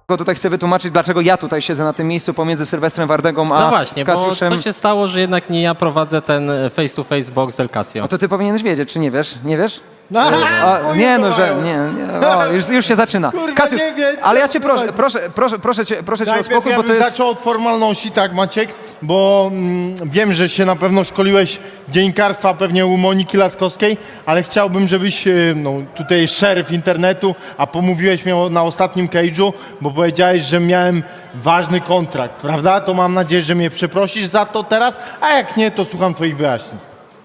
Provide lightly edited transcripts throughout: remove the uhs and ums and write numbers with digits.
tutaj chcę wytłumaczyć, dlaczego ja tutaj siedzę na tym miejscu pomiędzy Sylwestrem Wardęgą a No właśnie, Kasiuszem. bo co się stało, że jednak nie ja prowadzę ten face-to-face box del Casio? No to ty powinieneś wiedzieć, czy nie wiesz? Nie wiesz? No, O, nie, no, że nie. O, już się zaczyna. Kurwa, Kasiusz, nie wiem, ale ja co cię proszę cię o Najpierw spokój, ja bo to bym jest... zaczął od formalności, tak Maciek, bo wiem, że się na pewno szkoliłeś dziennikarstwa pewnie u Moniki Laskowskiej, ale chciałbym, żebyś, no tutaj szeryf internetu, a pomówiłeś mnie na ostatnim cage'u, bo powiedziałeś, że miałem ważny kontrakt, prawda? To mam nadzieję, że mnie przeprosisz za to teraz, a jak nie, to słucham twoich wyjaśnień.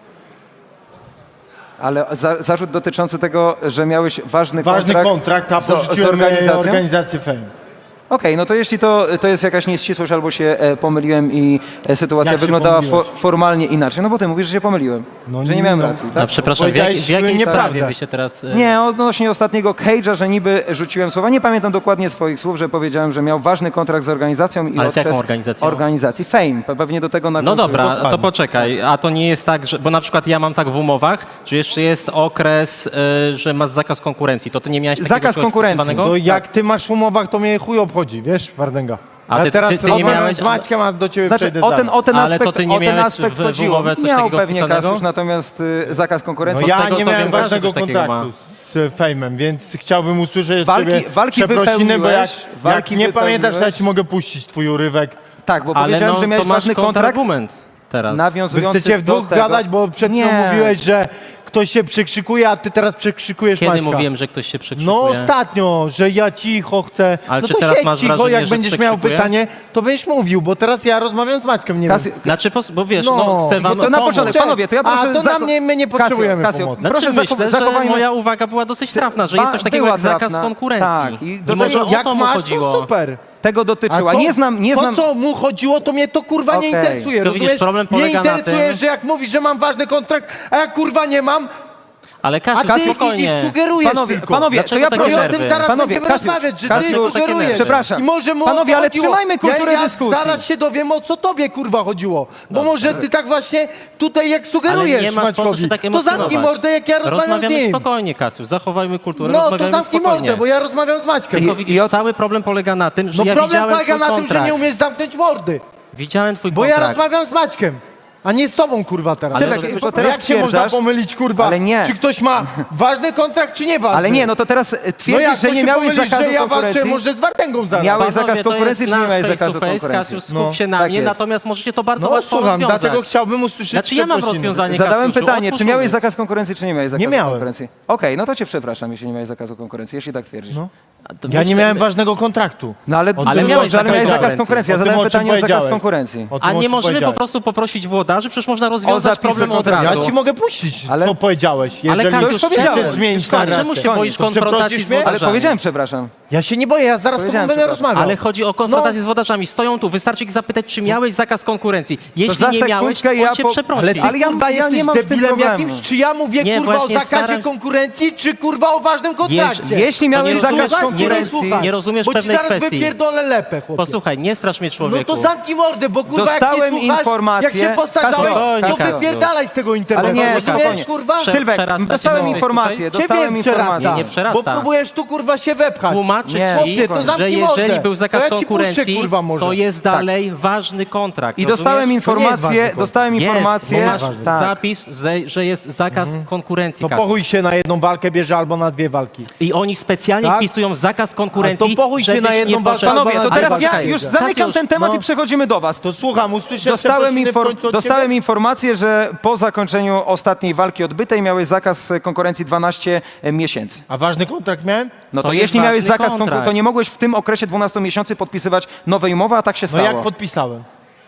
Ale zarzut dotyczący tego, że miałeś ważny kontrakt, a z porzuciłem organizacją? organizację Fame. Okej, no to jeśli to jest jakaś nieścisłość albo się pomyliłem i sytuacja Jak się wyglądała pomyliłeś? formalnie inaczej, no bo ty mówisz, że się pomyliłem, No że nie nie, miałem no. racji, No tak? przepraszam, w Powiedziałeś jakiej nieprawdę. sprawie wy się teraz... Nie, odnośnie ostatniego cage'a, że niby rzuciłem słowa. Nie pamiętam dokładnie swoich słów, że powiedziałem, że miał ważny kontrakt z organizacją i Ale z odszedł jaką organizacją? Organizacji Fame. Pewnie do tego No nawiązuje. dobra, dokładnie. to poczekaj, a to nie jest tak, że, bo na przykład ja mam tak w umowach, że jeszcze jest okres, że masz zakaz konkurencji, to ty nie miałeś takiego Zakaz czegoś konkurencji. wpisywanego? No jak ty masz w umowach, to mnie chuj obchodzi, wiesz, Wardęga. A Ja ty- teraz ty nie rozmawiam miałeś- z Maćkiem, a do ciebie Znaczy, przejdę o ten Ale to aspekt, ty nie o ten miałeś aspekt w chodziło. umowę coś Miał takiego pewnie wpisanego? Kasiusz, natomiast zakaz konkurencji. No z ja tego, nie co miałem wiem, każdy ważnego coś takiego kontraktu z Fejmem, więc chciałbym usłyszeć Walki- od ciebie walki przeprosiny, bo jak walki nie pamiętasz, to ja wypełniłeś. ci mogę puścić twój urywek. Tak, bo Ale powiedziałem, no, że miałeś to masz ważny kontrakt kontrargument teraz. Wy nawiązujący chcecie w do dwóch tego. gadać, bo przed chwilą Nie. mówiłeś, że ktoś się przekrzykuje, a ty teraz przekrzykujesz Kiedy Maćka. mówiłem, że ktoś się przekrzykuje? No ostatnio, że ja cicho chcę. Ale no czy to teraz siedź masz cicho, wrażenie, jak że będziesz miał przekrzykuje? pytanie, to będziesz mówił, bo teraz ja rozmawiam z Maćkiem, nie Kasiu- wiem. Znaczy, bo wiesz, No, no, chcę wam to na pomóc. początek, panowie, to ja proszę... A to na mnie, my nie potrzebujemy pomocy. Znaczy, proszę myślę, że zachowajmy... moja uwaga była dosyć trafna, że jest coś takiego była jak zakaz trafna. konkurencji. Tak, i do I może tego- o Jak to mu masz, chodziło. to super. Tego dotyczyła. to, Nie znam... To, co mu chodziło, to mnie to kurwa nie Okej. interesuje, To widzisz, rozumiesz? problem Nie polega na interesuje, tym- że jak mówisz, że mam ważny kontrakt, a ja kurwa nie mam, Ale a Kasiu, ty spokojnie. sugerujesz Panowie, tylko. panowie, to Dlaczego ja takie I proszę... o tym nerwy? zaraz Panowie, będziemy Kasiusz, rozmawiać, że Kasiusz, ty takie sugerujesz. nerwy. Przepraszam. I może mu o Panowie, to ale chodziło. trzymajmy kulturę ja dyskusji. zaraz się dowiem, o co tobie kurwa chodziło. Bo może ty tak właśnie tutaj jak sugerujesz Ale nie masz po co Maćkowi, się tak to emocjonować. zamknij mordę, jak ja rozmawiam z Rozmawiamy nim. spokojnie, Kasiu, zachowajmy kulturę, No to rozmawiamy zamknij spokojnie. mordę, bo ja rozmawiam z Maćkiem. Tylko I widzisz, od- cały problem polega na tym, że No ja problem widziałem polega twój na tym, że kontrakt. nie umiesz zamknąć mordy. Widziałem twój Bo ja kontrakt. rozmawiam z Maćkiem, a nie z tobą kurwa teraz. Ale Czekaj, no, bo No teraz jak się można stwierdzasz... pomylić kurwa, Ale nie. czy ktoś ma ważny kontrakt, czy nie ważny? Ale nie, no to teraz No twierdzisz, jak że nie się miałeś pomylisz, zakazu że ja walczę konkurencji? może z Wardęgą zaraz. Miałeś Panowie, zakaz to konkurencji, jest czy nie nasz miałeś face to zakazu face, konkurencji? Kasiu, skup się na tak mnie, jest. natomiast możecie to bardzo No łatwo słucham, rozwiązać. dlatego chciałbym usłyszeć Znaczy ja mam przeprosiny. rozwiązanie, Zadałem Kasiuszu, pytanie, otwórz czy miałeś umysł. zakaz konkurencji, czy nie miałeś zakazu miałem. konkurencji? Okej, no to cię przepraszam, jeśli nie miałeś zakazu konkurencji, jeśli tak twierdzisz. No. A to Ja nie myślę- miałem ważnego kontraktu. No ale, O Ale tym, miałeś ale miałeś zakaz zakaz konkurencji. Ja O tym, zadałem o czym pytanie o zakaz powiedziałeś. konkurencji. O tym, A o nie czym możemy po powiedziałeś. prostu poprosić włodarzy? Przecież można rozwiązać zapisy problem od kontraktu. razu. Ja ci mogę puścić, Ale- co powiedziałeś. Jeżeli Kasiusz, już powiedziałem. chcesz zmienić Stary, narrację. Czemu się Koniec. boisz To konfrontacji przeprosisz z mnie? Ale wodarzami? powiedziałem przepraszam. Ja się nie boję, ja zaraz z tobą Powiedziałem, będę przepraszam. rozmawiał. Ale chodzi o konfrontację z wodarzami. Stoją tu, wystarczy ich zapytać, czy miałeś zakaz konkurencji. Jeśli za nie miałeś, sekundkę ja on cię po- przeprosi. Ale ty Ale ja- kurwa ja jesteś nie mam z tym debilem problemu. jakimś, czy ja mówię Nie, kurwa o właśnie zakazie staram- konkurencji, czy kurwa o ważnym kontrakcie? Jeśli To miałeś nie zakaz rozumiesz- konkurencji... nie rozumiesz bo ci pewnej zaraz kwestii. wypierdolę lepę, chłopie. Posłuchaj, nie strasz mnie, No człowieku. to zamknij mordę, bo kurwa Dostałem jak nie słuchasz, informację- jak się postarzałeś, Kasio, to wypierdalaj z tego internetu. Ale nie, rozumiesz, spokojnie. kurwa? Sylwek, Przerasta dostałem cię informację, face to dostałem Ciebie informację. przerasta, Nie przerasta. bo próbujesz tu kurwa się wepchać. Tłumaczy Nie, ci, chłopie, to że zamknij jeżeli mordę. był zakaz To ja ci puszczę, konkurencji, kurwa, może. to jest dalej ważny kontrakt. I dostałem rozumiesz? informację, dostałem Jest, informację, bo masz tak. zapis, że jest zakaz konkurencji. To Kasiu. pochuj się na jedną walkę bierze albo na dwie walki. I oni specjalnie Tak? wpisują zakaz konkurencji, A to pochuj się żebyś na jedną nie walkę, poszedł- Panowie, to Ale teraz ja poczekaj, już Kasiusz, zamykam ten temat no. i przechodzimy do was. To słucham, usłyszę Dostałem, przeprosiny w końcu od dostałem ciebie? informację, że po zakończeniu ostatniej walki odbytej miałeś zakaz konkurencji 12 miesięcy. A ważny kontrakt miałem? No to, To jest jeśli miałeś ważny zakaz kontrakt. konkurencji, to nie mogłeś w tym okresie 12 miesięcy podpisywać nowej umowy, a tak się No stało. jak podpisałem?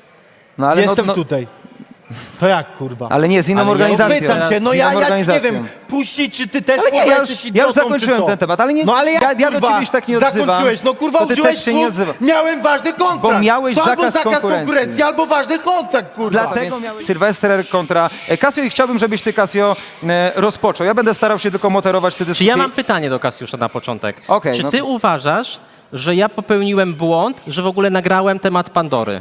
No, ale Jestem no, tutaj. To jak, kurwa? Ale nie, z inną Ale ja organizacją. Pytam cię, no Z inną ja ci nie organizacją. wiem, puścić, czy ty też, Ale nie, kurwa, ja już- jesteś ja już idiotą, zakończyłem czy co? ten temat, ale nie- No ale jak, ja do kurwa, ciebie się tak nie odzywam, zakończyłeś? No kurwa, to ty użyłeś też się nie słów, odzywam. miałem ważny kontrakt. Bo miałeś to albo zakaz zakaz konkurencji. konkurencji, albo ważny kontrakt, kurwa. Dlatego Sylwester kontra Casio i chciałbym, żebyś ty, Casio, rozpoczął. Ja będę starał się tylko moderować te Czy dyskusje. ja mam pytanie do Kasiusza na początek. Okej, Czy no ty to- uważasz, że ja popełniłem błąd, że w ogóle nagrałem temat Pandory?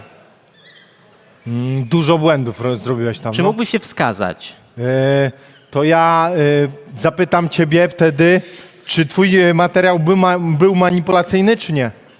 Dużo błędów zrobiłeś tam. Czy no. mógłbyś się wskazać? To ja zapytam ciebie wtedy, czy twój materiał był manipulacyjny, czy nie?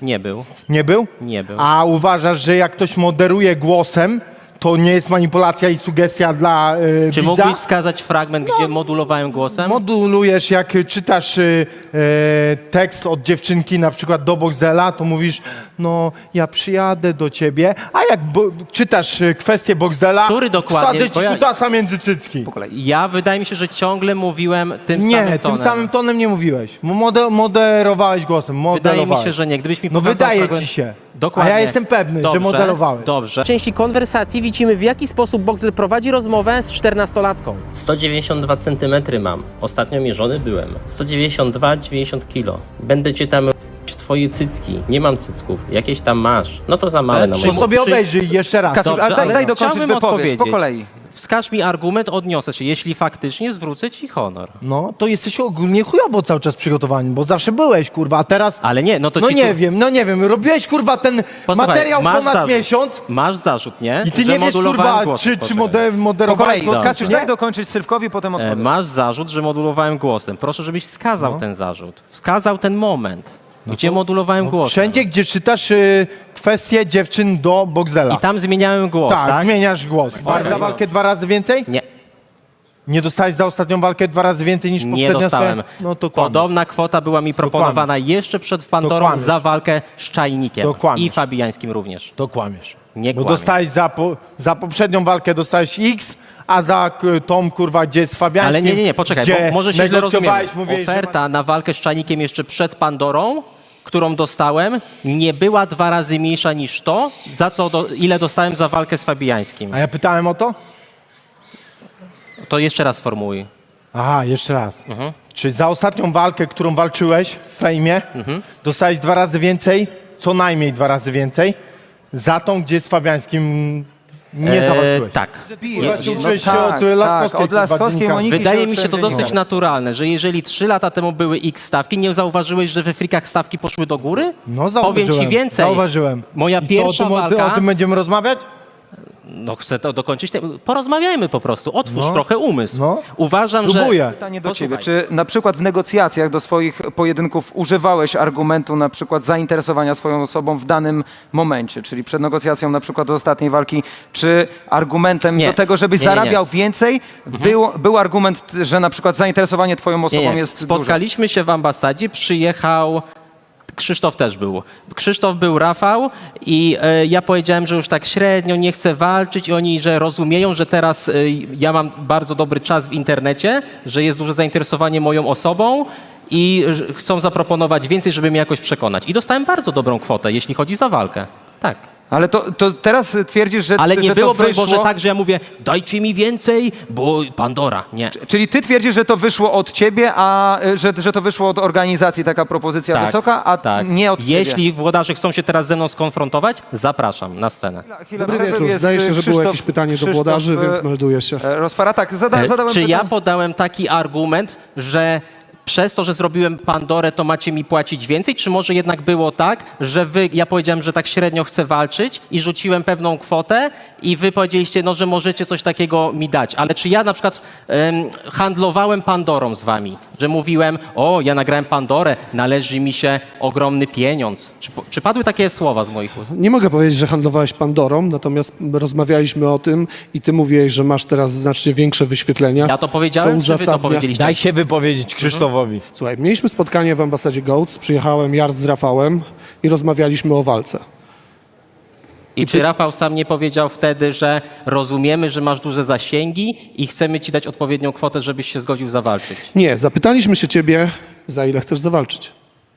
Nie był. Nie był? Nie był. A uważasz, że jak ktoś moderuje głosem, to nie jest manipulacja i sugestia dla Czy widza? mógłbyś wskazać fragment, gdzie modulowałem głosem? Modulujesz, jak czytasz tekst od dziewczynki na przykład do Boxdela, to mówisz, no ja przyjadę do ciebie, a jak czytasz kwestię Boxdela, Który dokładnie? wsadzę Bo ci ja- kutasa między cycki. Ja wydaje mi się, że ciągle mówiłem tym samym Nie, tonem. tym samym tonem nie mówiłeś. Moderowałeś głosem, Wydaje modelowałeś. mi się, że nie. Gdybyś mi No pokazał wydaje fragment... ci się. Dokładnie. A ja jestem pewny, że modelowałeś. Dobrze. W części konwersacji widzimy, w jaki sposób Boxdel prowadzi rozmowę z 14-latką. 192 cm mam. Ostatnio mierzony byłem. 192-90 kg. Będę cię tam w twoje cycki. Nie mam cycków. Jakieś tam masz. No to za małe Ale na czy To moje. sobie obejrzyj jeszcze raz. Kasiu, Dobrze, ale daj ale dokończyć chciałbym wypowiedź, po odpowiedzieć. kolei. Wskaż mi argument, odniosę się. Jeśli faktycznie zwrócę ci honor. No, to jesteś ogólnie chujowo cały czas przygotowany, bo zawsze byłeś, kurwa, a teraz... Ale nie, no to No ci nie tu... wiem, no nie wiem, robiłeś, kurwa, ten Posłuchaj, materiał masz ponad zarzut. miesiąc Masz zarzut, nie? i ty Że nie wiesz, modulowałem kurwa, głosem. czy Poczekaj. Po moderowałeś kolei, głosem, Kasiusz, czy nie? daj dokończyć Sylwkowi, potem odpowiedz. Masz zarzut, że modulowałem głosem. Proszę, żebyś wskazał ten zarzut. Wskazał ten moment, gdzie modulowałem głosem. Wszędzie, gdzie czytasz kwestie dziewczyn do Boxdela. I tam zmieniałem głos, tak, tak? zmieniasz głos. Za walkę 2 razy więcej? Nie, Nie dostałeś za ostatnią walkę 2 razy więcej niż nie poprzednia dostałem. swoja? No to kłamiesz. Podobna kwota była mi proponowana jeszcze przed Pandorą kłamiesz. za walkę z Czajnikiem. To kłamiesz. I Fabiańskim również. To kłamiesz. Nie Bo kłamię. dostałeś za poprzednią walkę dostałeś X, a za tą, kurwa, gdzie z Fabiańskim, Ale nie, poczekaj, gdzie bo może się źle rozumiemy. negocjowałeś, mówiłeś, że Oferta na walkę z Czajnikiem jeszcze przed Pandorą, którą dostałem, nie była 2 razy mniejsza niż to, ile dostałem za walkę z Fabiańskim. A ja pytałem o to? To jeszcze raz sformułuj. Aha, jeszcze raz. Mhm. Czy za ostatnią walkę, którą walczyłeś w fejmie, dostałeś 2 razy więcej, co najmniej 2 razy więcej, za tą, gdzie z Fabiańskim nie zawalczyłeś? Tak. Kurwa, się uczyłeś się tak, od Laskowskiej. tak, od kurwa, Laskowskiej dziennikarza. Moniki. Wydaje mi się to uczyłem dosyć dziennikarstwa. naturalne, że jeżeli 3 lata temu były X stawki, nie zauważyłeś, że we frikach stawki poszły do góry? No zauważyłem. Powiem ci więcej. Zauważyłem. Moja I co, pierwsza o walka... tym będziemy rozmawiać? No chcę to dokończyć. Porozmawiajmy po prostu. Otwórz No. trochę umysł. No. Uważam, Próbuję. że... Pytanie do Posłuchaj. ciebie. Czy na przykład w negocjacjach do swoich pojedynków używałeś argumentu na przykład zainteresowania swoją osobą w danym momencie? Czyli przed negocjacją na przykład do ostatniej walki, czy argumentem Nie. do tego, żebyś Nie, nie, nie. zarabiał więcej, był argument, że na przykład zainteresowanie twoją osobą Nie. jest duże? Spotkaliśmy się w ambasadzie, przyjechał... Krzysztof też był. Krzysztof był, Rafał i ja powiedziałem, że już tak średnio nie chcę walczyć i oni, że rozumieją, że teraz ja mam bardzo dobry czas w internecie, że jest duże zainteresowanie moją osobą i że chcą zaproponować więcej, żeby mnie jakoś przekonać. I dostałem bardzo dobrą kwotę, jeśli chodzi za walkę. Tak. Ale to teraz twierdzisz, że, Ale nie że było, to broń wyszło... Boże, tak, że ja mówię, dajcie mi więcej, bo Pandora. Nie. Czyli ty twierdzisz, że to wyszło od ciebie, a że to wyszło od organizacji taka propozycja Tak, wysoka, a tak. nie od ciebie? Jeśli włodarze chcą się teraz ze mną skonfrontować, zapraszam na scenę. Chwila Dobry przerwy, wieczór. jest Zdaje się, że było Krzysztof- jakieś pytanie do Krzysztof, włodarzy, więc melduję się. Rozpara, tak, zadałem Czy ja pytanie. podałem taki argument, że przez to, że zrobiłem Pandorę, to macie mi płacić więcej? Czy może jednak było tak, że ja powiedziałem, że tak średnio chcę walczyć i rzuciłem pewną kwotę i wy powiedzieliście, no, że możecie coś takiego mi dać. Ale czy ja na przykład handlowałem Pandorą z wami? Że mówiłem, o, ja nagrałem Pandorę, należy mi się ogromny pieniądz. Czy padły takie słowa z moich ust? Nie mogę powiedzieć, że handlowałeś Pandorą, natomiast rozmawialiśmy o tym i ty mówiłeś, że masz teraz znacznie większe wyświetlenia. Ja to powiedziałem, czy wy to powiedzieliście? Daj się wypowiedzieć Krzysztofowi. Słuchaj, mieliśmy spotkanie w ambasadzie Goats, przyjechałem Jar z Rafałem i rozmawialiśmy o walce. I czy Rafał sam nie powiedział wtedy, że rozumiemy, że masz duże zasięgi i chcemy ci dać odpowiednią kwotę, żebyś się zgodził zawalczyć? Nie, zapytaliśmy się ciebie, za ile chcesz zawalczyć.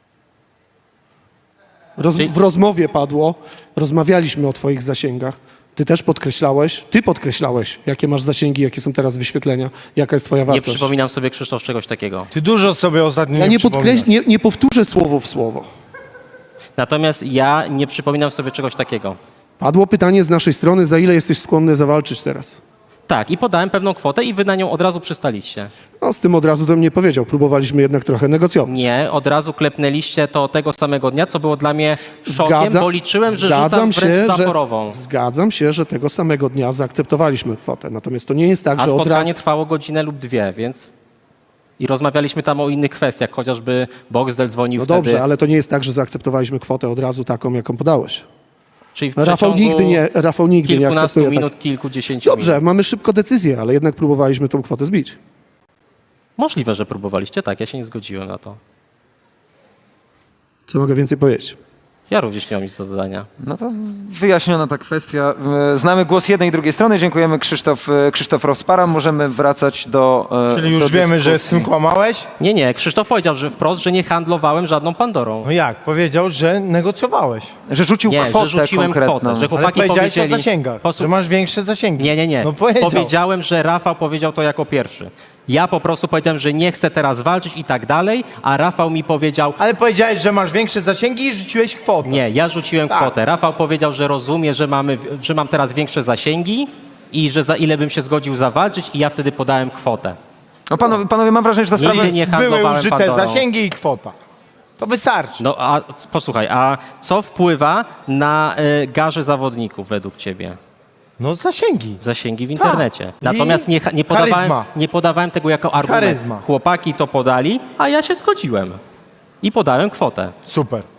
W rozmowie padło, rozmawialiśmy o twoich zasięgach. Ty podkreślałeś, jakie masz zasięgi, jakie są teraz wyświetlenia, jaka jest twoja Nie wartość. przypominam sobie, Krzysztof, czegoś takiego. Ty dużo sobie ostatnio Ja przypominasz. nie powtórzę słowo w słowo. Natomiast ja nie przypominam sobie czegoś takiego. Padło pytanie z naszej strony, za ile jesteś skłonny zawalczyć teraz? Tak, i podałem pewną kwotę i wy na nią od razu przystaliście. No, z tym od razu do mnie powiedział. Próbowaliśmy jednak trochę negocjować. Nie, od razu klepnęliście to tego samego dnia, co było dla mnie szokiem, bo liczyłem, że rzucam wręcz zaporową. Zgadzam się, że tego samego dnia zaakceptowaliśmy kwotę. Natomiast to nie jest tak, A że od spotkanie razu... trwało godzinę lub 2, więc I rozmawialiśmy tam o innych kwestiach, chociażby Boxdel dzwonił No wtedy. dobrze, ale to nie jest tak, że zaakceptowaliśmy kwotę od razu taką, jaką podałeś. Czyli w Rafał przeciągu nigdy nie kilkunastu akceptuje minut, tak. kilkudziesięciu Dobrze, minut. mamy szybko decyzję, ale jednak próbowaliśmy tą kwotę zbić. Możliwe, że próbowaliście, tak, ja się nie zgodziłem na to. Co mogę więcej powiedzieć? Ja również nie mam nic do dodania. No to wyjaśniona ta kwestia. Znamy głos jednej i drugiej strony. Dziękujemy, Krzysztof Rozpara. Możemy wracać do Czyli do już wiemy, że z dyskusji. tym kłamałeś? Nie, Krzysztof powiedział, że wprost, że nie handlowałem żadną Pandorą. No jak? Powiedział, że negocjowałeś. Że rzucił Nie, kwotę że rzuciłem konkretną. kwotę, że Ale chłopaki powiedziałeś powiedzieli... o zasięgach, że masz większe zasięgi. Nie. No powiedział. Powiedziałem, że Rafał powiedział to jako pierwszy. Ja po prostu powiedziałem, że nie chcę teraz walczyć i tak dalej, a Rafał mi powiedział, Ale powiedziałeś, że masz większe zasięgi i rzuciłeś kwotę. nie, ja rzuciłem Tak. kwotę. Rafał powiedział, że rozumie, że mam teraz większe zasięgi i że za ile bym się zgodził zawalczyć i ja wtedy podałem kwotę. No panowie, mam wrażenie, że ta sprawa Nigdy jest... nie Były handlowałem użyte Pandorą. zasięgi i kwota. To wystarczy. No a posłuchaj, a co wpływa na garze zawodników według ciebie? No zasięgi. Zasięgi w internecie. Tak. Natomiast I charyzma. nie podawałem tego jako argument. Charyzma. Chłopaki to podali, a ja się zgodziłem. I podałem kwotę. Super.